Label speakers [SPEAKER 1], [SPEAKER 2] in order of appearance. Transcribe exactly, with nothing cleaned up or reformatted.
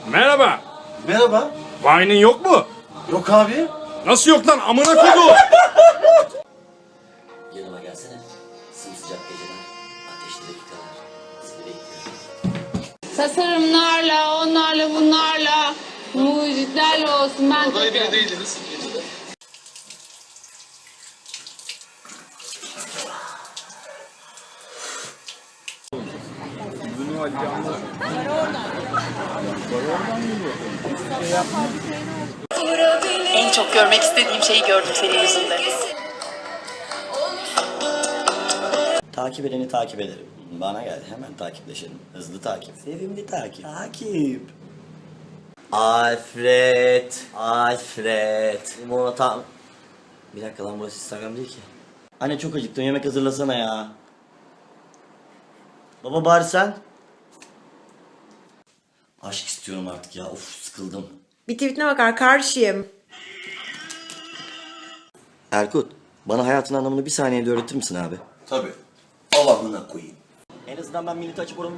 [SPEAKER 1] Merhaba.
[SPEAKER 2] Merhaba.
[SPEAKER 1] Vine'in yok mu?
[SPEAKER 2] Yok abi.
[SPEAKER 1] Nasıl yok lan amına kodu?
[SPEAKER 3] Yanıma gelsene. Sımsıcak geceler, ateşli dakikalar. Seni bekliyorum.
[SPEAKER 4] Tasarımlarla, onlarla, bunlarla, mucitlerle olsun ben
[SPEAKER 5] Adayı bile
[SPEAKER 4] takarım.
[SPEAKER 5] değildiniz.
[SPEAKER 6] En çok görmek istediğim şeyi gördüm senin yüzünden.
[SPEAKER 3] Takip edeni takip ederim. Bana gel, hemen takipleşelim. Hızlı takip. Sevimli takip. Takip. Alfred. Alfred. Limonata. Bir dakika lan, burası Instagram değil ki. Anne çok acıktım, yemek hazırlasana ya. Baba bari sen. Aşk istiyorum artık ya. Of, sıkıldım.
[SPEAKER 7] Bir tweetine bakar karşıyım.
[SPEAKER 3] Erkut, bana hayatın anlamını bir saniyede öğretir misin abi?
[SPEAKER 2] Tabii. Al amına koyayım.
[SPEAKER 3] En azından ben milleti açıp oranın